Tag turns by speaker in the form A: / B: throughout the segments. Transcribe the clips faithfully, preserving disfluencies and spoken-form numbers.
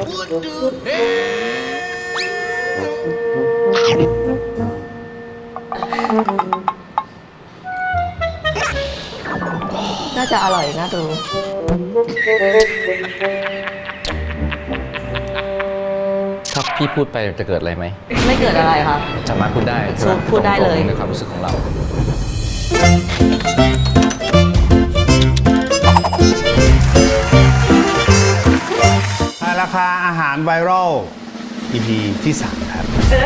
A: น่าจะอร่อยน่าดู
B: ถ้าพี่พูดไปจะเกิดอะไรไหม
A: ไม่เกิดอะไรค่ะ
B: สามารถพูดได้
A: พูดได้เลย
B: ในความรู้สึกของเรา
C: ราคาอาหารไวรัล อี พี ที่สามครับ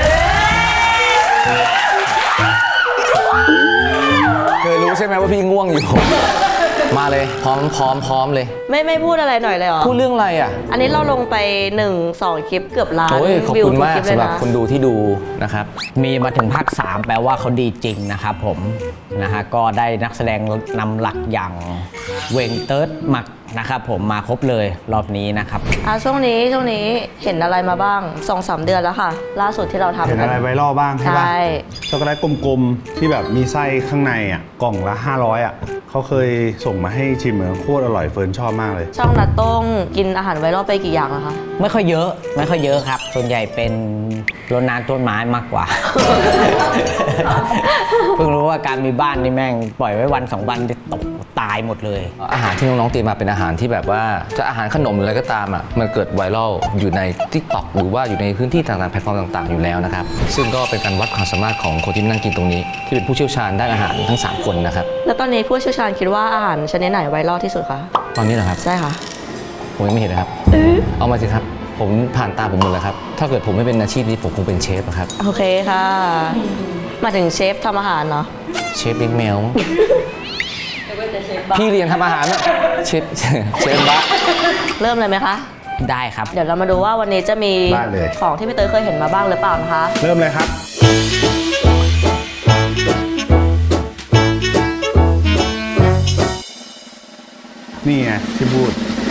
B: เคยรู้ใช่ไหมว่าพี่ง่วงอยู่ มาเลยพร้อมพร้อมพร้อมเลย
A: ไม่ไม่พูดอะไรหน่อยเลยเหรอ
B: พูดเรื่องอะไรอ่ะ
A: อันนี้เราลงไปหนึ่ง สองคลิปเกือบล้าน
B: วิวขอบคุณมากสำหรับคนดูที่ดูนะครับ
D: มีมาถึงภาคสามแปลว่าเขาดีจริงนะครับผมนะฮะก็ได้นักแสดงนำหลักอย่างเวงเติร์ดมักนะครับผมมาครบเลยรอบนี้นะครับ
A: อ่ะช่วงนี้ช่วงนี้เห็นอะไรมาบ้าง สองสาม เดือนแล้วค่ะล่าสุดที่เราทำ
C: เห็นอะไรไวรัลบ้างใช่ปะช็อกโกแลตกลมๆที่แบบมีไส้ข้างในอ่ะกล่องละห้าร้อยอ่ะเขาเคยส่งมาให้ชิมเหมือนโคตรอร่อยเฟิร์นชอบมากเลย
A: ช่องนัดต้งกินอาหารไวรัลไปกี่อย่างแล้วคะ
D: ไม่ค่อยเยอะไม่ค่อยเยอะครับส่วนใหญ่เป็นรดน้ำต้นไม้มากกว่า เพิ่งรู้ว่าการมีบ้านนี่แม่งปล่อยไว้วันสองวันตกตายหมดเลย
B: อาหารที่น้องๆเตรียมมาเป็นอาหารที่แบบว่าจะอาหารขนมหรืออะไรก็ตามอ่ะมันเกิดไวรัลอยู่ใน ติ๊กต็อก หรือว่าอยู่ในพื้นที่ต่างๆแพลตฟอร์มต่างๆอยู่แล้วนะครับซึ่งก็เป็นการวัดความสามารถของคนที่นั่งกินตรงนี้ที่เป็นผู้เชี่ยวชาญด้านอาหารทั้งสามคนนะครับ
A: แล้วตอนนี้ผู้เชี่ยวชาญคิดว่าอาหารชนิดไหนไวรัลที่สุดคะ
B: ตอนนี้เหรอครับ
A: ใช่ค่ะ
B: ผมยังไม่เห็นนะครับเอามาสิครับผมผ่านตาผมหมดแล้วครับถ้าเกิดผมไม่เป็นอาชีพนี้ผมคงเป็นเชฟครับ
A: โอเคค่ะมาถึงเชฟทำอาหารเนาะ
B: เชฟเลี้ยงแมวพี่เรียนทำอาหารอะเชฟเชฟบ้า
A: เริ่มเลยไหมคะ
D: ได้ครับ
A: เดี๋ยวเรามาดูว่าวันนี้จะมีของที่พี่เตยเคยเห็นมาบ้างหรือเปล่านะคะ
C: เริ่มเลยครับนี่ไงที่พูด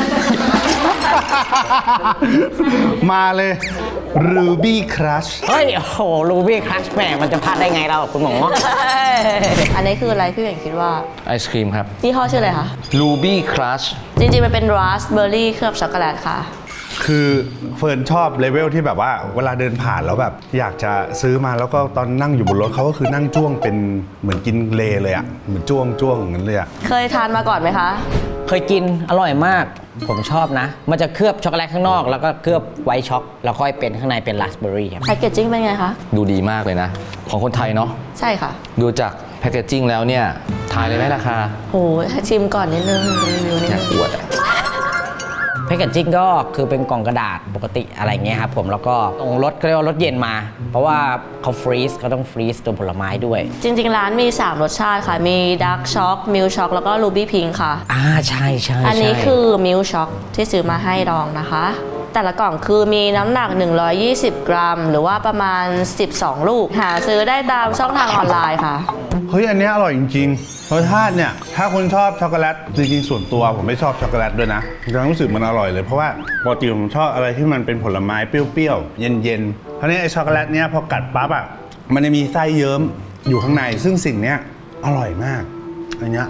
C: มาเลย Ruby Crush
D: เฮ้ยโอ้โห Ruby Crush แหมมันจะพลาดได้ไงเราคุณหมอ
A: อันนี้คืออะไรพี่เห็นคิดว่า
B: ไอศครีมครับ
A: พี่ห้อชื่ออะไรคะ
B: Ruby Crush
A: จริงๆมันเป็นราสเบอร์รี่เคลือบช็อกโกแลตค่ะ
C: คือเฟิร์นชอบเลเวลที่แบบว่าเวลาเดินผ่านแล้วแบบอยากจะซื้อมาแล้วก็ตอนนั่งอยู่บนรถเขาก็คือนั่งจ้วงเป็นเหมือนกินเลเลยอะเหมือนจ้วงจ้วงอย่างนั้นเลยอะ
A: เคยทานมาก่อนไหมคะ
D: เคยกินอร่อยมากผมชอบนะมันจะเคลือบช็อกโกแลตข้างนอกแล้วก็เคลือบไวท์ช็อกแล้วค่อยเป็นข้างในเป็นราสเบอร์รี่ครับ
A: แพคเกจจิ้งเป็นไงคะ
B: ดูดีมากเลยนะของคนไทยเนาะ
A: ใช่ค่ะ
B: ดูจากแพคเกจจิ้งแล้วเนี่ยทายเลยไหมราคา
A: โหชิมก่อนนิดนึงรีวิวนิดนึง
B: อยากอวด
D: แพคเกจจิ้งก็คือเป็นกล่องกระดาษปกติอะไรเงี้ยครับผมแล้วก็ตรงรถก็เรียกว่ารถเย็นมาเพราะว่าเขาฟรีซเขาต้องฟรีซตัวผลไม้ด้วย
A: จริงๆร้านมีสามรสชาติค่ะมีดาร์กช็อกมิลช็อกแล้วก็รูบี้พิงค์ค่ะ
D: อ่าใช่ใช่
A: อันนี้คือมิลช็อกที่ซื้อมาให้ลองนะคะแต่ละกล่องคือมีน้ำหนักหนึ่งร้อยยี่สิบกรัมหรือว่าประมาณสิบสองลูกหาซื้อได้ตามช่องทางออนไลน์ค่ะ
C: เฮ้ยอันนี้อร่อยจริงๆรสชาติเนี่ยถ้าคนชอบช็อกโกแลตจริงๆส่วนตัวผมไม่ชอบช็อกโกแลตด้วยนะแต่รู้สึกมันอร่อยเลยเพราะว่าปกติผมชอบอะไรที่มันเป็นผลไม้เปรี้ยวๆเย็นๆเพราะนี้ไอ้ช็อกโกแลตเนี้ยพอกัดปั๊บอ่ะมันจะมีไส้เยิ้มอยู่ข้างในซึ่งสิ่งเนี้ยอร่อยมากอันเนี้ย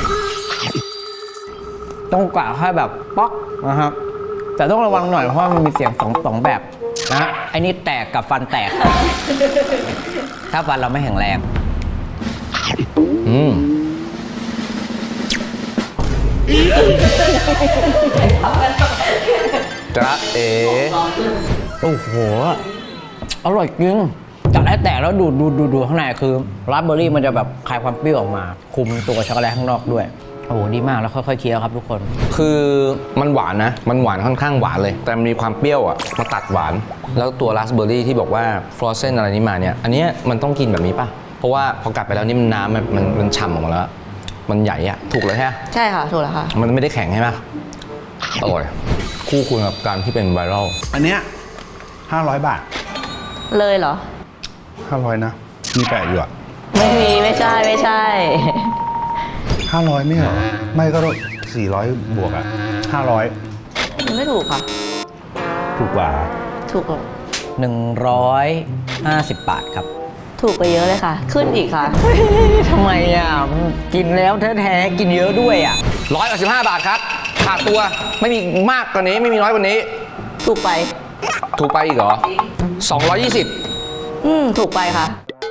D: ต้องกะให้แบบป๊อกนะครับแต่ต้องระวังหน่อยเพราะว่ามันมีเสียงสองสองแบบนะไอ้นี่แตกกับฟันแตก ถ้าฟันเราไม่แข็งแรง
B: อืมจ๊ะเอ๋
D: โอ้โหอร่อยจริงกัดให้แตกแล้วดูดดูดดูดข้างในคือราสเบอร์รี่มันจะแบบคลายความเปรี้ยวออกมาคุมตัวช็อกโกแลตข้างนอกด้วยโอ้โหดีมากแล้วค่อยๆเคี้ยวครับทุกคน
B: คือมันหวานนะมันหวานค่อนข้างหวานเลยแต่มีความเปรี้ยวอ่ะมาตัดหวานแล้วตัวราสเบอร์รี่ที่บอกว่าฟรอสเซนอะไรนี้มาเนี่ยอันนี้มันต้องกินแบบนี้ป่ะเพราะว่าพอกัดไปแล้วนี่มันน้ำมันมันมันฉ่ำออกมาแล้วมันใหญ่อะถูกเลยใช่ไหม
A: ใช่ค่ะถูกแล้วค่ะ
B: มันไม่ได้แข็งใช่ไหมอร่อยคู่ควรกับการที่เป็นไวรัล
C: อันเนี้ยห้าร้อยบาท
A: เลยเหรอ
C: ห้าร้อยนะมีแปะอยู่อะ
A: ไม่มีไม่ใช่ไม่ใช่
C: ห้าร้อยไม่เหรอไม่ก็สี่ร้อยบวกอะห้าร้อย
A: มันไม่ถูกค่ะ
C: ถูกกว่า
A: ถูกกว่า
D: หนึ่งร้อยห้าสิบบาทครับ
A: ถูกไปเยอะเลยค่ะขึ้นอีกค่ะ
D: ทำไมอ่ะกินแล้วแท้ๆกินเยอะด้วยอ่ะ
B: ร้อยแปดสิบห้าบาทครับขาดตัวไม่มีมากกว่านี้ไม่มีน้อยกว่านี้
A: ถูกไป
B: ถูกไปอีกเหรอสองร้อยยี่สิบ
A: อืม ถูกไปค่ะ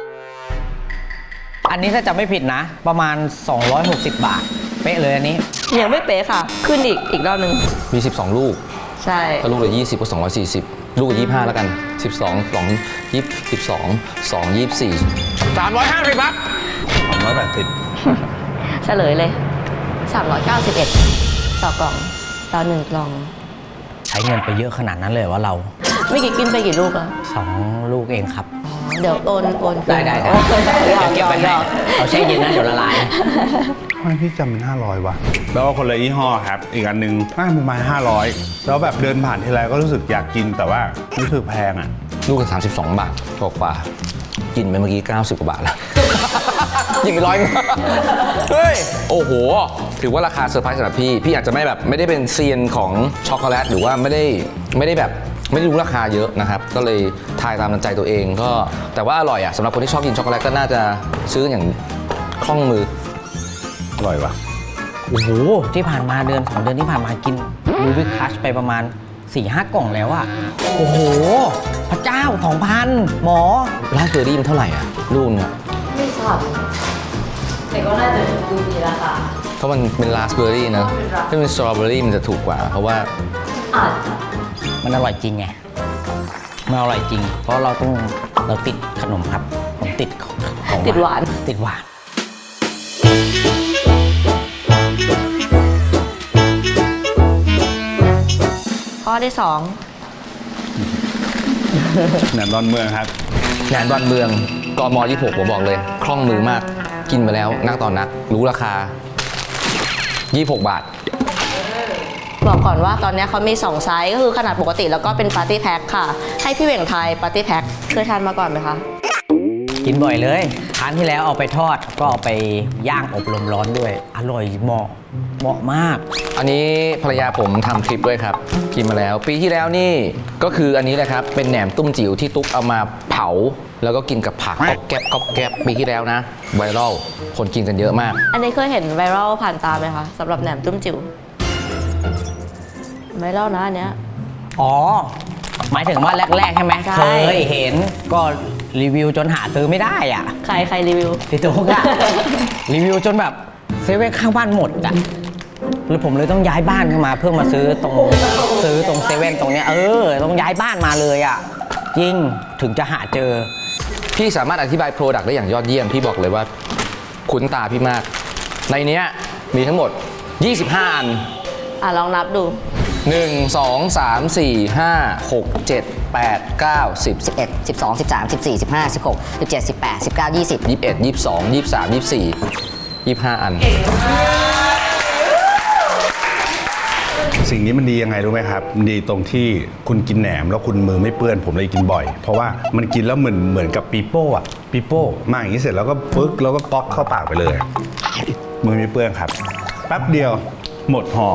D: อันนี้ถ้าจำไม่ผิดนะ ประมาณ สองร้อยหกสิบบาท เป๊ะเลยอันนี้
A: ยังไม่เป๊ะค่ะ ขึ้นอีกอีกรอบหนึ่ง
B: มีสิบสองลูก
A: ใช่
B: ถ้าลูกละยี่สิบก็สองร้อยสี่สิบลูกละยี่สิบห้าแล้วกันสิบสอง สอง ยี่สิบสอง สอง ยี่สิบสี่ สามร้อยห้าสิบครับ
C: สองร้อยแปดสิบ
A: เฉลยเลย สามร้อยเก้าสิบเอ็ด ต่อกล่อง ต่อหนึ่งกล่อง
D: ใช้เงินไปเยอะขนาดนั้นเลยว่าเรา
A: ไม่กี่กินไปกี่ลูกอะ
D: สองลูกเองครับ
A: เดี๋ยวโอนโอน
D: ได้ได้ได้
A: โอน
D: เดี๋ยวเก็บไปให้เอาแช่เย็นนะเดี๋ยวละลาย
C: ทำไมพี่จำเป็นห้าร้อยว่ะแล้วก็คนละยี่ห้อครับ อีกอันหนึ่งน่าประมาณห้าร้อยแล้วแบบเดินผ่านทีไรก็รู้สึกอยากกินแต่ว่ารู้สึกแพงอ่ะ
B: ลูกละสามสิบสองบาทกว่าๆกินไปเมื่อกี้เก้าสิบกว่าบาทแล้ว ยิงไปร้อยเฮ้ย โอ้โห ถือว่าราคาเซอร์ไพรส์สำหรับพี่ พี่อาจจะไม่แบบไม่ได้เป็นเซียนของช็อกโกแลตหรือว่าไม่ได้ไม่ได้แบบไม่ได้รู้ราคาเยอะนะครับ ก็เลยทายตามน้ำใจตัวเองก็แต่ว่าอร่อยอ่ะสำหรับคนที่ชอบกินช็อกโกแลตก็น่าจะซื้ออย่างคล่องมือ
C: อร่อยว่ะ
D: โอ้โห ที่ผ่านมาเดือนสองเดือนที่ผ่านมากินลูบิคัชไปประมาณ สี่ห้า กล่องแล้วอะโอ้โห พระเจ้า สองพัน หมอ
B: ราสเบอร์รี่มันเท่าไหร่อ่ะลูกเนี่ย
A: ไม่ทราบแต่ก็น่าจะดูดีราคา
B: เพราะมันเป็นราสเบอร์รี่นะถ้าเป็นสตรอเบอร์รี่มันจะถูกกว่า เพราะว่า
A: อาจจะ
D: มันอร่อยจริงไง มันอร่อยจริง เพราะเราต้องเราติดขนมครับ ผมติดของ
A: ติดหวาน
D: ติดหวาน
A: ข้อที่สอง
C: แหนมดอนเมืองครับ
B: แหนมดอนเมืองกมยี่สิบหกผมบอกเลย คล่องมือมาก กินไปแล้วนักต่อนัก รู้ราคา ยี่สิบหก บาท
A: บอกก่อนว่าตอนนี้เขามีสองไซส์ก็คือขนาดปกติแล้วก็เป็นปาร์ตี้แพ็คค่ะ ให้พี่เหว่งไทยปาร์ตี้แพ็คเคยทานมาก่อนไหมคะ
D: กินบ่อยเลยครั้งที่แล้วเอาไปทอด ก็เอาไปย่างอบลมร้อนด้วย อร่อยเหมาะ เหมาะมาก
B: อันนี้ภรรยาผมทำคลิปด้วยครับ กินมาแล้ว ปีที่แล้วนี่ก็คืออันนี้แหละครับ เป็นแหนมตุ้มจิ๋วที่ตุ๊กเอามาเผา แล้วก็กินกับผักก๊อบแก๊บก๊อบแก๊บปีที่แล้วนะไวรัลคนกินกันเยอะมาก
A: อันนี้เคยเห็นไวรัลผ่านตาไหมคะสำหรับแหนมตุ้มจิ๋วไวรัลนะอันเนี้ย
D: อ๋อ หมายถึงว่าแรก ๆ ใช่ไหม
A: ใช่
D: เคยเห็นก็รีวิวจนหาซื้อไม่ได้อ่ะ
A: ใครใครรีวิว
D: พี่ตุ๊กอะ รีวิวจนแบบเซเว่นข้างบ้านหมดอ่ะเลยผมเลยต้องย้ายบ้านเข้ามาเพื่อมาซื้อตรงซื้อตรงเซเว่นตรงเนี้ยเออต้องย้ายบ้านมาเลยอ่ะจริงถึงจะหาเจอ
B: พี่สามารถอธิบายโปรดักต์ได้อย่างยอดเยี่ยม พี่บอกเลยว่าคุ้นตาพี่มาก ในเนี้ยมีทั้งหมด ยี่สิบห้า อัน
A: อ่ะลองนับดู
B: หนึ่ง สอง สาม สี่ ห้า หก เจ็ด แปด เก้า สิบ
E: สิบเอ็ด สิบสอง สิบสาม สิบสี่ สิบห้า สิบหก สิบเจ็ด สิบแปด สิบเก้า ยี่สิบ
B: ยี่สิบเอ็ด ยี่สิบสอง ยี่สิบสาม ยี่สิบสี่ ยี่สิบห้า อัน
C: สิ่งนี้มันดียังไงรู้ไหมครับมันดีตรงที่คุณกินแหนมแล้วคุณมือไม่เปื้อนผมเลยกินบ่อย เพราะว่ามันกินแล้วเหมือนเหมือนกับปีโป้อะปีโป้มาอย่างนี้เสร็จแล้วก็ปึ๊กแล้วก็ก๊อกเข้าปากไปเลย มือไม่เปื้อนครับแป๊บเดียวหมดห่อ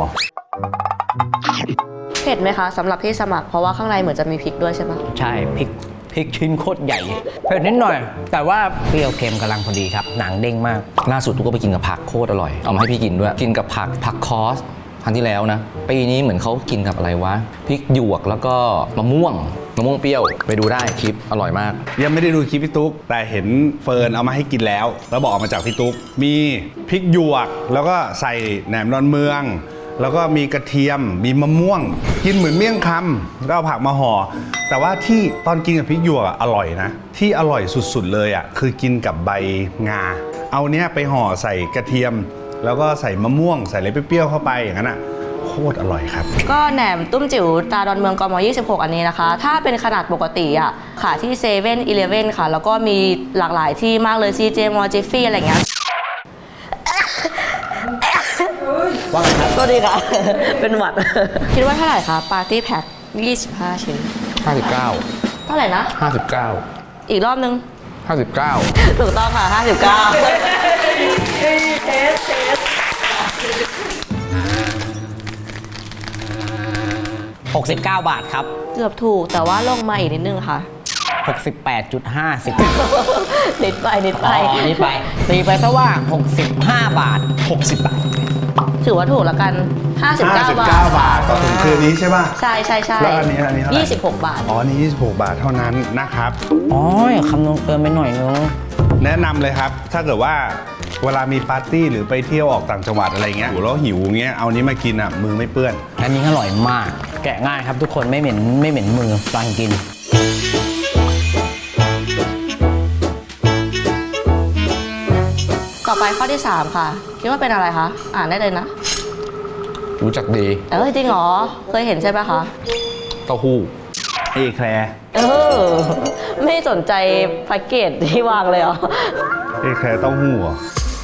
A: เผ็ดไหมคะสำหรับที่สมัครเพราะว่าข้างในเหมือนจะมีพริกด้วยใช่ปะ
D: ใช่พริกพริกชิ้นโคตรใหญ่เผ็ดนิดหน่อย แต่ว่าเปรี้ยวเค็มกำลังพอดีครับ หนังเด้งมาก
B: ล่าสุดตุ๊กก็ไปกินกับผักโคตรอร่อย เอามาให้พี่กินด้วย กินกับผักผักคอสครั้งที่แล้วนะ ปีนี้เหมือนเขากินกับอะไรวะ พริกหยวกแล้วก็มะม่วง มะม่วงเปรี้ยว ไปดูได้คลิปอร่อยมาก
C: ยังไม่ได้ดูคลิปพี่ตุ๊กแต่เห็นเฟิร์นเอามาให้กินแล้ว แล้วบอกมาจากพี่ตุ๊กมีพริกหยวก แล้วก็ใส่แหนมดอนเมือง แล้วก็มีกระเทียม มีมะม่วง กินเหมือนเมี่ยงคำก็เอาผักมาห่อแต่ว่าที่ตอนกินกับพริกหยวกอะอร่อยนะ ที่อร่อยสุดๆเลยอ่ะคือกินกับใบงา เอาเนี้ยไปห่อใส่กระเทียม แล้วก็ใส่มะม่วง ใส่อะไรเปรี้ยวๆเข้าไปอย่างนั้นอ่ะโคตรอร่อยครับ
A: ก็แหนมตุ้มจิ๋วตาดอนเมืองกมยี่สิบหกอันนี้นะคะ ถ้าเป็นขนาดปกติอ่ะขายที่เซเว่นอีเลฟเว่นค่ะ แล้วก็มีหลากหลายที่มากเลย ซี เจ มอจิฟฟี่อะไรเงี้ย
D: ว่าไงครับ
A: ก็ดีค่ะ เป็นหวัด คิดว่าเท่าไหร่คะปาร์ตี้แพ็คยี่สิบห้าชิ้น
B: ห้าสิบเก้า
A: เท่าไหร่นะ
B: ห้าสิบเก้า
A: อีกรอบนึง
B: ห้าสิบเก้า
A: ถูกต้องค่ะ ห้าสิบเก้า
D: หกสิบเก้า บาทครับ
A: เกือบถูกแต่ว่าลงมาอีกนิดนึงค่ะ
D: หกสิบแปดจุดห้าสิบ
A: นิดไปนิดไป
D: อ๋อนี่ไปตีไปซะว่าหกสิบห้า บาท หกสิบบาท
A: ถือว่าถูกแล้วกันห้าสิบเก้า
C: ห้าสิบบ
A: า
C: เก้า
A: ท
C: บาทต่อถุงคืนนี้ใช่ป่ะ
A: ใช่ใช่ใช่
C: แล้วอันนี้อันนี้เท่าไหร่
A: ยี่สิบหกบาท
C: อ๋อนี่ยี่สิบหกบาทเท่านั้นนะครับ
D: อ๋อคำนวณเกินไปหน่อยนึง
C: แนะนำเลยครับ ถ้าเกิดว่าเวลามีปาร์ตี้หรือไปเที่ยวออกต่างจังหวัดอะไรเงี้ยแล้วหิวเงี้ยเอานี้มากินอ่ะมือไม่เปื้อน
D: อันนี้อร่อยมาก แกะง่ายครับทุกคนไม่เหม็นไม่เหม็นมือตอนกิน
A: ต่อไปข้อที่ สาม ค่ะ คิดว่าเป็นอะไรคะ อ่านได้เลยนะ
B: รู้จักดี
A: เออจริงเหรอ เคยเห็นใช่ไหมคะ
B: เต้าหู้
C: เอแคลร์
A: เออ ไม่สนใจแพ็กเกจที่วางเลยเหรอ
C: เอแคลร์เต้าหู้เหรอ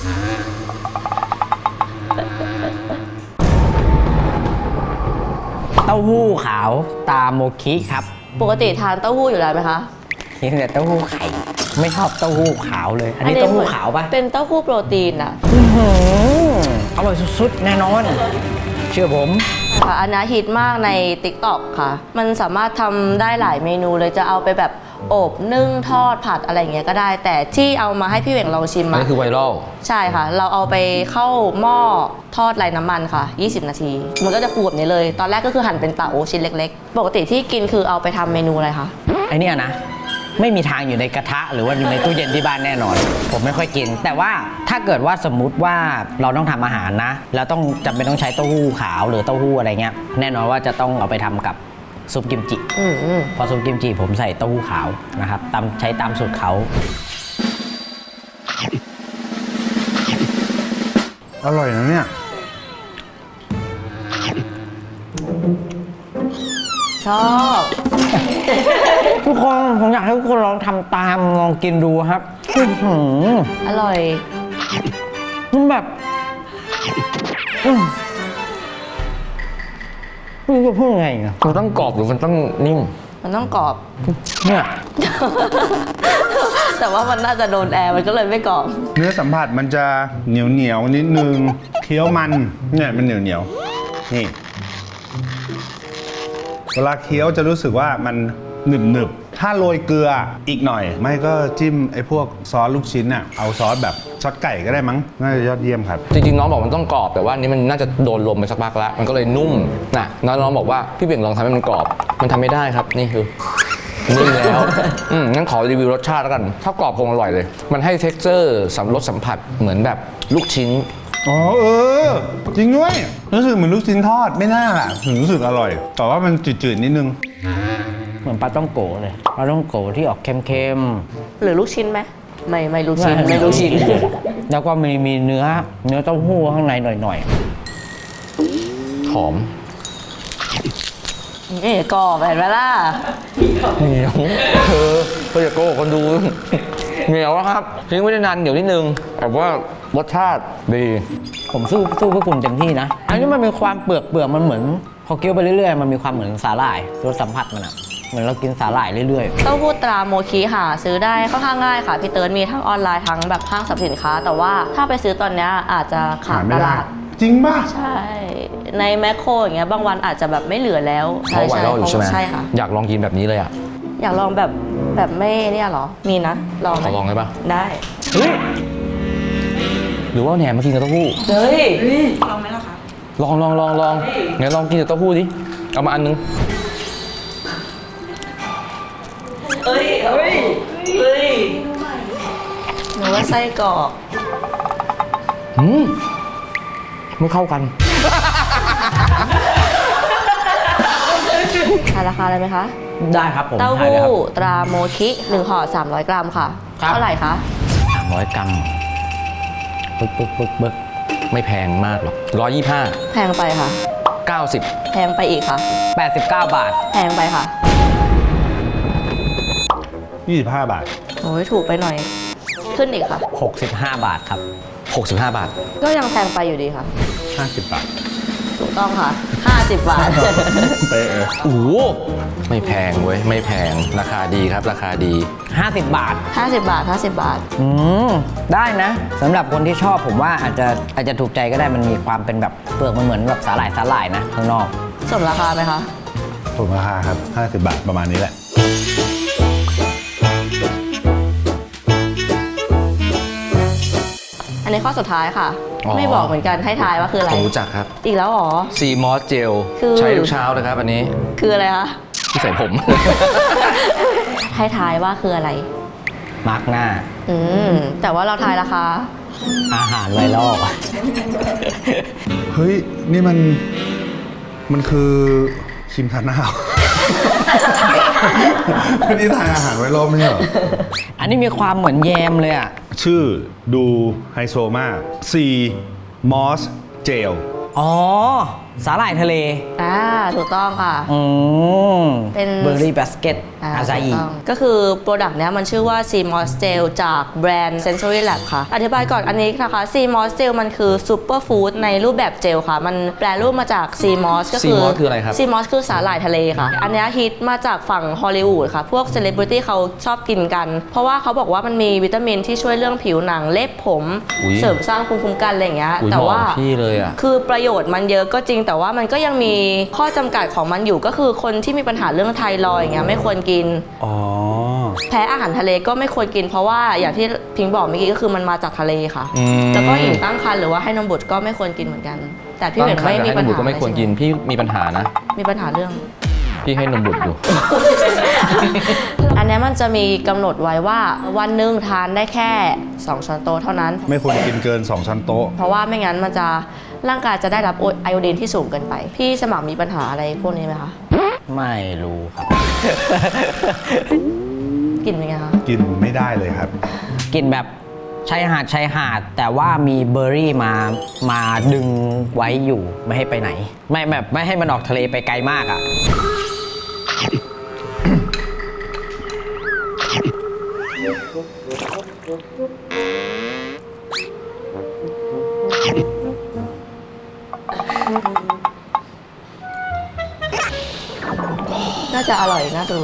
D: เต้าหู้ขาวตาโมคิครับ
A: ปกติทานเต้าหู้อยู่แล้วไหมคะ
D: กินแต่เต้าหู้ไข่ไม่ชอบเต้าหู้ขาวเลย อันนี้เต้าหู้ขาวปะ
A: เป็นเต้าหู้โปรตีนอะ
D: อื้อหืออร่อยสุดๆแน่นอน เชื่อผม
A: ค่ะอันนี้ฮิตมากใน ติ๊กต็อก ค่ะ มันสามารถทำได้หลายเมนูเลยจะเอาไปแบบอบนึ่งทอดผัดอะไรอย่างเงี้ยก็ได้ แต่ที่เอามาให้พี่เหว่งลองชิม
B: อัน
A: อะ
B: นี้คือไวรัล
A: ใช่ค่ะ เราเอาไปเข้าหม้อทอดไร้น้ำมันค่ะ ยี่สิบ นาที มันก็จะฟูแบบนี้เลย ตอนแรกก็คือหั่นเป็นเต๋าชิ้นเล็กๆ ปกติที่กินคือเอาไปทำเมนูอะไรคะ
D: ไอเนี่ยนะ ไม่มีทางอยู่ในกระทะหรือว่าอยู่ในตู้เย็นที่บ้านแน่นอน ผมไม่ค่อยกิน แต่ว่าถ้าเกิดว่าสมมุติว่าเราต้องทำอาหารนะ แล้วต้องจำเป็นต้องใช้เต้าหู้ขาวหรือเต้าหู้อะไรเงี้ยแน่นอนว่าจะต้องเอาไปทำกับซุปกิมจิ
A: อืมอืม
D: พอซุปกิมจิผมใส่เต้าหู้ขาวนะครับตามใช้ตามสูตรเขา
C: อร่อยนะเนี่ย
A: ชอบ
D: ทุกคนผมอยากให้ทุกคนลองทำตามลองกินดูครับอื้อหือ
A: อร่อย
D: มันแบบอืมไม่รู้จะพูดไงอ่ะ
B: มันต้องกรอบหรือมันต้องนิ่ม
A: มันต้องกรอบ
D: เนี่ย
A: แต่ว่ามันน่าจะโดนแอร์มันก็เลยไม่กรอบ
C: เนื้อสัมผัสมันจะเหนียวเหนียวๆนิดนึงเคี้ยวมันเนี่ยมันเหนียวเหนียวๆนี่ เวลาเคี้ยวจะรู้สึกว่ามันหนึบหนึบๆถ้าโรยเกลืออีกหน่อย ไม่ก็จิ้มไอ้พวกซอสลูกชิ้นน่ะเอาซอสแบบช็อตไก่ก็ได้มั้งน่าจะยอดเยี่ยมครับ
B: จริงๆน้องบอกมันต้องกรอบแต่ว่าอันนี้มันน่าจะโดนลมไปสักพักแล้วมันก็เลยนุ่มนะน้องน้องบอกว่าพี่เบี่ยงลองทำให้มันกรอบ มันทำไม่ได้ครับนี่คือนิ่มแล้วอืมงั้นขอรีวิวรสชาติแล้วกันถ้ากรอบคงอร่อยเลย มันให้ texture สัมรสสัมผัสเหมือนแบบลูกชิ้น
C: อ๋อเออ จริงด้วยรู้สึกเหมือนลูกชิ้นทอดไม่น่าล่ะถึงรู้สึกอร่อย แต่ว่ามันจืดๆนิดนึง
D: เหมือนปลาต้องโกเลยปลาต้องโกที่ออกเค็ม
A: หรือลูกชิ้นไหมไม่ไม่ลูก
D: ๆ
A: ชิ้นไม่ลูกชิ้น
D: แล้วก็มีมีเนื้อเนื้อเต้าหู้ข้างในหน่อย
B: หอม
A: นี่กรอบเห็นไหมล่ะ
B: เหนียวเออก็อย่าโกหกคนดู เหนียวอะครับทิ้งไว้ได้นานเหนียวนิดนึงแต่ว่ารสชาติดี
D: ๆ ผมสู้สู้เพื่อคุณเต็มที่นะ อันนี้มันมีความเปลือกเปลือกมันเหมือนพอเคี้ยวไปเรื่อยๆมันมีความเหมือนสาหร่ายรสสัมผัสมันอะเหมือนเรากินสาหร่ายเรื่อย
A: เต้าหู้ตราโมคิหาซื้อได้ค่อนข้างง่ายค่ะ พี่เติร์ดมีทั้งออนไลน์ทั้งแบบห้างสรรพสินค้า แต่ว่าถ้าไปซื้อตอนเนี้ยอาจจะขาดตลาด
C: จริงป่ะ
A: ใช่ ในแมคโครอย่างเงี้ยบางวันอาจจะแบบไม่เหลือแล้ว
B: เพราะไวรัลอยู่ใช่ไหม
A: ใช่ค่ะ
B: อยากลองกินแบบนี้เลยอ่ะ
A: อยากลองแบบแบบไม่เนี่ยเหรอ มีนะ ลองไห
B: ข
A: ม
B: อลองได้ปะ
A: ได้
B: เฮ้ยหรือว่าแหนมมากินกับเต้าหู้
A: เฮ้ย
F: ลองไหมล่ะคะ
B: ลองลองลองลองไหนลองกินกับเต้าหู้ดิเอามาอันนึง
A: เฮ้ยเฮ้ยเฮ้ยหนูว่าไส้กรอก
B: อืมไม่เข้ากัน
A: ทายราคาเลยไหมคะ
D: ๆ ได้ครับผม
A: เต้า
D: ถ่าย
A: หู้
D: เลยครับ
A: ตราโมคิหนึ่งห่อสามร้อยกรัมค่ะ
D: ครับ
A: เท่าไหร่คะ
D: สามร้อยกรัมปึ๊กปึ๊กปึ๊กปึ๊ก
B: ไม่แพงมากหรอกร้อยยี่ห้า
A: แพงไปค่ะ
B: เก้าสิบ
A: แพงไปอีกค่ะ
D: แปดสิบเก้าบาท
A: แพงไปค่ะ
C: ยี่สิบห้าบาท
A: โอ้ยถูกไปหน่อย ขึ้นอีกค่ะ
D: หกสิบห้าบาทครับ
B: หกสิบห้าบาท
A: ก็ยังแพงไปอยู่ดีค่ะ
C: ห้าสิบบาท
A: ถูกต้องค่ะ ห้าสิบบาท
C: ไปเออ
B: โอ้โหไม่แพงเว้ย ไม่แพง ราคาดีครับ ราคาดี
D: ห้าสิบบาท
A: ห้าสิบบาทห้าสิบบาท
D: อืม ได้นะสำหรับคนที่ชอบผมว่าอาจจะอาจจะถูกใจก็ได้มันมีความเป็นแบบเปลือกมันเหมือนแบบสาหร่ายสาหร่ายนะข้างนอก
A: สมราคาไหมคะ
C: ถูกราคาครับห้าสิบบาทประมาณนี้แหละ
A: อันนี้ข้อสุดท้ายค่ะ
B: อ๋อ
A: ไม่บอกเหมือนกันให้ทายว่าคืออะไร
B: ผมรู้จักครับ
A: อีกแล้วเหรอ
B: ซีมอสเจล
A: คือ
B: ใช้ทุกเช้านะครับ อันนี้
A: คืออะไรคะ
B: ที่ใส่ผม
A: ให้ทายว่าคืออะไร
D: มาร์กหน้า
A: อืม แต่ว่าเราทายราคา
D: อาหารไวรัล
C: เฮ้ย นี่มัน มันคือครีมทาหน้า นี่ทานอาหารไว้รอบไม่ใช่เหรอ
D: อันนี้มีความเหมือนแยมเลยอ่ะ
C: ชื่อดูไฮโซมาก ซีมอสเจล
D: อ๋อ สาหร่ายทะเล
A: อ่า ถูกต้องค่ะ
D: อืม
A: เป็น
D: เบอร์รี่บาสเกตอาซาอิ
A: ถูกต้องก็คือโปรดักต์เนี้ยมันชื่อว่า ซีมอส Gel จากแบรนด์ Sensory Lab ค่ะ อธิบายก่อนอันนี้นะคะ ซีมอส Gel มันคือซูเปอร์ฟู้ดในรูปแบบเจลค่ะ มันแปลรูปมาจาก ซีมอส ก็คือ
B: Sea moss คืออะไรครับ
A: ซีมอสคือสาหร่ายทะเลค่ะ อันเนี้ยฮิตมาจากฝั่งฮอลลีวูดค่ะ พวกเซเลบริตี้เขาชอบกินกัน เพราะว่าเขาบอกว่ามันมีวิตามินที่ช่วยเรื่องผิวหนังเล็บผม
B: อุ๊ย
A: เสริมสร้างภูมิคุ้มกันอะไรอย่างเงี้ย
B: อุ๊ย
A: แต่ว่า
B: เหมาะกับพี่เลยอะ
A: คือประโยชน์มันเยอะก็จริง แต่ว่ามันก็ยังมีข้อจำกัดของมันอยู่ก็คือคนที่มีปัญหาเรื่องไทรอยด์อย่างเงี้ยไม่ควรกิน
C: อ๋อ
A: แพ้อาหารทะเลก็ไม่ควรกิน เพราะว่าอย่างที่พิงบอกเมื่อกี้ก็คือมันมาจากทะเลค่ะ
B: อืม
A: แล้วก็หญิงตั้งครรภ์หรือว่าให้นมบุตรก็ไม่ควรกินเหมือนกัน แต่พี่เห
B: ตั้
A: ม็
B: ง
A: น
B: ครร
A: ไม่
B: ภ์
A: มี
B: ให้น
A: ปัญ
B: มบุตร
A: หา
B: ก็ไม่ควรกิน พี่มีปัญหานะ
A: มีปัญหาเรื่อง
B: พี่ให้นมบุตรอยู่
A: อันเนี้ยมันจะมีกำหนดไว้ว่าวันหนึ่งทานได้แค่สองช้อนโต๊ะเท่านั้น
C: ไม่ควรกินเกินสองช้อนโต๊ะ
A: เพราะว่าไม่งั้นมันจะร่างกายจะได้รับไอโอดีนที่สูงเกินไป พี่สมัครมีปัญหาอะไรพวกนี้ไหมคะ
D: ไม่รู้ครับ
A: กินเป็นไงคะ
C: กินไม่ได้เลยครับ
D: กินแบบชายหาดชายหาด แต่ว่ามีเบอร์รี่มามาดึงไว้อยู่ไม่ให้ไปไหน ไม่แบบไม่ให้มันออกทะเลไปไกลมากอ่ะ
A: น่าจะอร่อยน่าดู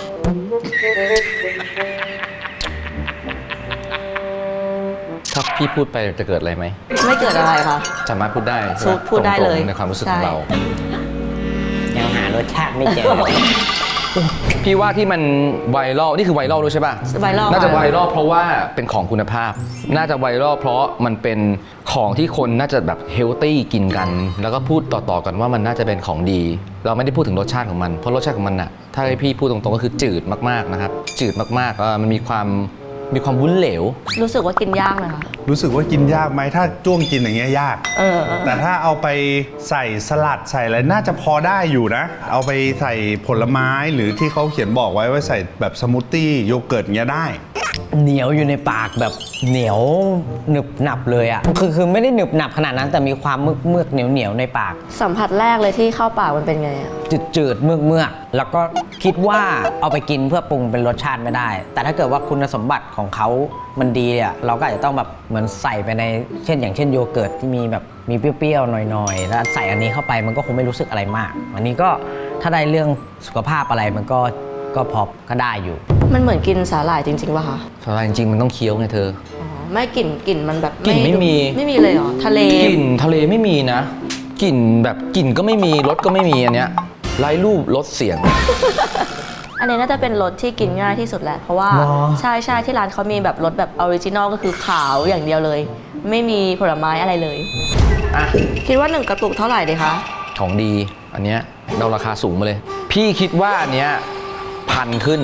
B: ถ้าพี่พูดไปจะเกิดอะไรไหม
A: ไม่เกิดอะไรค่ะ
B: สามารถพูดได้ใช่
A: พู
B: ไหม
A: ดพูดได้เลย
B: ตรงๆในความรู้สึก
A: ใช่
B: ของเรา
D: ยังหารสชาติไม่เจอ
B: พี่ว่าที่มันไวรัลนี่คือไวรัลด้วยใช่ป่ะ
A: ไวรัล
B: น่าจะ
A: ค่ะ
B: ไวรัลเพราะว่าเป็นของคุณภาพ น่าจะไวรัลเพราะมันเป็นของที่คนน่าจะแบบเฮลตี้กินกัน แล้วก็พูดต่อๆกันว่ามันน่าจะเป็นของดี เราไม่ได้พูดถึงรสชาติของมัน เพราะรสชาติของมันน่ะ ถ้าให้พี่พูดตรงๆก็คือจืดมากๆนะครับ จืดมากๆเออมันมีความมีความวุ้นเหลว
A: รู้สึกว่ากินยากเลยค่ะ
C: รู้สึกว่ากินยากไหมถ้าจ้วงกินอย่างเงี้ยยาก
A: เออ
C: แต่ถ้าเอาไปใส่สลัดใส่อะไรน่าจะพอได้อยู่นะ เอาไปใส่ผลไม้หรือที่เขาเขียนบอกไว้ว่าใส่แบบสมูทตี้โยเกิร์ตเงี้ยได้
D: เหนียวอยู่ในปากแบบเหนียวหนึบหนับเลยอ่ะ คือคือไม่ได้หนึบหนับขนาดนั้นแต่มีความเมือกเมือกเหนียวเหนียวในปาก
A: สัมผัสแรกเลยที่เข้าปากมันเป็นไงอะ
D: จืดจืดเมือกเมือกแล้วก็คิดว่าเอาไปกินเพื่อปรุงเป็นรสชาติไม่ได้ แต่ถ้าเกิดว่าคุณสมบัติของเขามันดีอ่ะเราก็อาจจะต้องแบบเหมือนใส่ไปในเช่น อย่างเช่นโยเกิร์ตที่มีแบบมีเปรี้ยวๆหน่อยๆแล้วใส่อันนี้เข้าไปมันก็คงไม่รู้สึกอะไรมาก อันนี้ก็ถ้าได้เรื่องสุขภาพอะไรมันก็ก็พอก็ได้อยู่
A: มันเหมือนกินสาหร่ายจริงๆป่ะคะ
B: สาหร่ายจริงๆมันต้องเคี้ยวไงเธอ
A: อ๋อ ไม่กลิ่นกลิ่นมันแบบ
B: กลิ่นไม่มี
A: ไม่มีเลยเหรอ ทะเล
B: กลิ่นทะเลไม่มีนะกลิ่นแบบกลิ่นก็ไม่มีรสก็ไม่มีอันเนี้ยไร้รูปรสเสียง
A: อันนี้น่าจะเป็นรสที่กินง่ายที่สุดแหละ เพราะว่า
D: หรอ
A: ใช่ใช่ที่ร้านเขามีแบบรสแบบออริจินอลก็คือขาวอย่างเดียวเลย ไม่มีผลไม้อะไรเลย
B: อ่ะ
A: คิดว่าหนึ่งกระปุกเท่าไหร่ดีคะ
B: ของดีอันเนี้ยเราราคาสูงมาเลย พี่คิดว่าอันเนี้ยพันขึ้น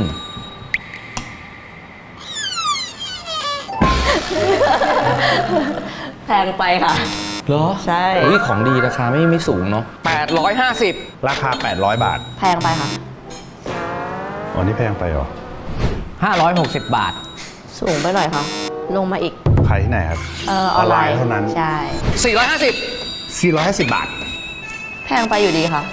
A: แพงไปค่ะ
B: เหรอ
A: ใช่
B: อุ้ยของดีราคาไม่ไม่สูงเนาะแปดร้อยห้าสิบ
C: ราคา แปดร้อย บาท
A: แพงไปค่ะ
C: อ๋อนี่แพงไปเหรอ
D: ห้าร้อยหกสิบบาท
A: สูงไปหน่อยค่ะ ลงมาอีก
C: ขายที่ไหนครับ
A: เออออนไลน์
C: เท่านั้น
A: ใช่
B: สี่ร้อยห้าสิบ
C: สี่ร้อยห้าสิบบาท
A: แพงไปอยู่ดีค่ะ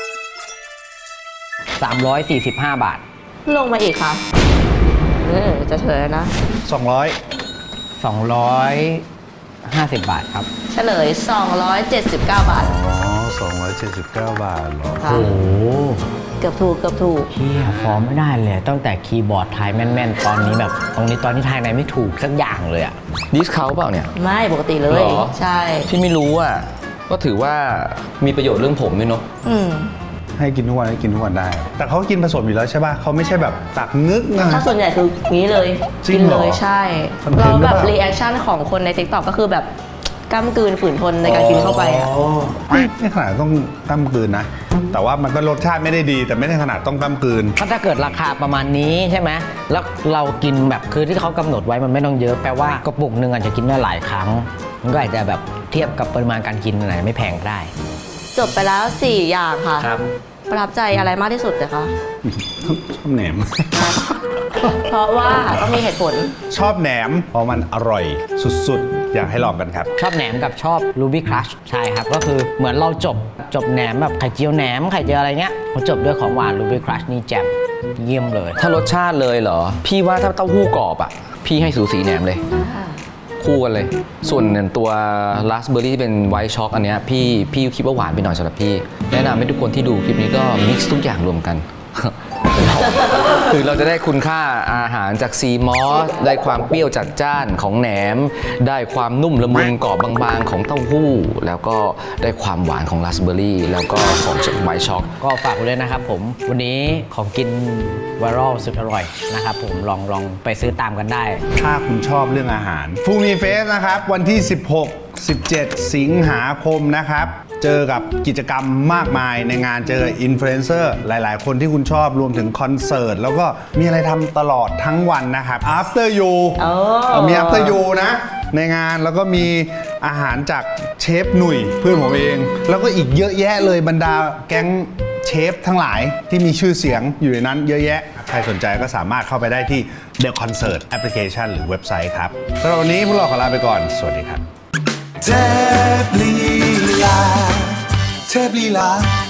D: สามร้อยสี่สิบห้า บาท
A: ลงมาอีกค่ะเออจะเฉลยแล้วนะ
C: สองร้อย
D: สองร้อยห้าสิบ บาทครับ
A: เฉลย สองร้อยเจ็ดสิบเก้า บาท
C: อ๋อสองร้อยเจ็ดสิบเก้า บาทเหรอ
A: ค่ะ
D: โอ้โห
A: เกือบถูกเกือบถูก
D: เฮียฟอร์มไม่ได้เลย ตั้งแต่คีย์บอร์ดทายแม่นๆ ตอนนี้แบบ ตรงนี้ตอนนี้ทายไหนไม่ถูกสักอย่างเลยอะ
B: ดิสเขาเปล่าเนี่ย
A: ไม่ปกติเลย
B: หรอ
A: ใช่
B: พี่ไม่รู้อ่ะก็ถือว่ามีประโยชน์เรื่องผมด้วยเนาะ
A: อืม
C: ให้กินทุกวันให้กินทุกวันได้ แต่เขากินผสมอยู่แล้วใช่ป่ะเขาไม่ใช่แบบตักงึกนะ
A: ถ้าส่วนใหญ่คืองี้เลย
C: จริ
A: กิ
C: งเหร
A: เล
C: อ
A: ยใช่
C: คอนเทนต์
A: เรา
C: หรือ
A: แบบ
C: เปล่า
A: รีแอคชั่นของคนใน TikTok ก็คือแบบก้ำกลืนฝืนทนในการกินเข้าไปอะ
C: ไม่ไม่ขนาดต้องก้ำกลืนนะ แต่ว่ามันก็รสชาติไม่ได้ดี แต่ไม่ได้ขนาดต้องก้ำกลืน
D: ถ้าถ้าเกิดราคาประมาณนี้ใช่ไหมแล้วเรากินแบบคือที่เขากำหนดไว้มันไม่ต้องเยอะแปลว่ากระปุกหนึ่งอาจจะกินได้หลายครั้ง มันก็อาจจะแบบเทียบกับปริมาณการกินอะไรไม่แพงได้
A: จบไปแล้วสี่อย่างค่ะ
D: ครับ
A: ประทับใจอะไรมากที่สุดเลยคะ
C: ชอบแหนม
A: เพราะว่าต้องมีเหตุผล
C: ชอบแหนมเพราะมันอร่อยสุดๆ อยากให้ลองกันครับ
D: ชอบแหนมกับชอบรูบี้ครัชใช่ครับ ก็คือเหมือนเราจบจบแหนมแบบไข่เจียวแหนมไข่เจียวอะไรเงี้ยพอจบด้วยของหวานรูบี้ครัชนี่แจ่มเยี่ยมเลย
B: ถ้ารสชาติเลยเหรอ พี่ว่าถ้าเต้าหู้กรอบอ่ะ พี่ให้สูสีแหนมเลย คู่กันเลย ส่วนตัวราสเบอร์รี่ที่เป็นไวท์ช็อกอันเนี้ยพี่พี่คิดว่าหวานไปหน่อยสำหรับพี่ แนะนำให้ทุกคนที่ดูคลิปนี้ก็มิกซ์ทุกอย่างรวมกัน คือเราจะได้คุณค่าอาหารจากซีมอสได้ความเปรี้ยวจัดจ้านของแหนม ได้ความนุ่มละมุนกรอบบางๆของเต้าหู้ แล้วก็ได้ความหวานของราสเบอร์รี่แล้วก็ของไวท์ช็อก
D: ก็ฝากไว้เลยนะครับผมวันนี้ของกินไวรัลสุดอร่อยนะครับผมลองลองไปซื้อตามกันได้
C: ถ้าคุณชอบเรื่องอาหารฟูมีเฟสนะครับ วันที่ สิบหก สิบเจ็ด สิงหาคมนะครับ เจอกับกิจกรรมมากมายในงานเจออินฟลูเอนเซอร์หลายๆ คนที่คุณชอบรวมถึงคอนเสิร์ต แล้วก็มีอะไรทำตลอดทั้งวันนะครับ after you
A: เออ
C: มี after you นะ ในงานแล้วก็มีอาหารจากเชฟหนุ่ยเพื่อนผมเอง แล้วก็อีกเยอะแยะเลยบรรดาแก๊งเชฟทั้งหลายที่มีชื่อเสียงอยู่ในนั้นเยอะแยะ ใครสนใจก็สามารถเข้าไปได้ที่ The Concert Application หรือเว็บไซต์ครับสำหรับวันนี้พวกเราขอลาไปก่อน สวัสดีครับ
F: เทพลีลาเทพลีลา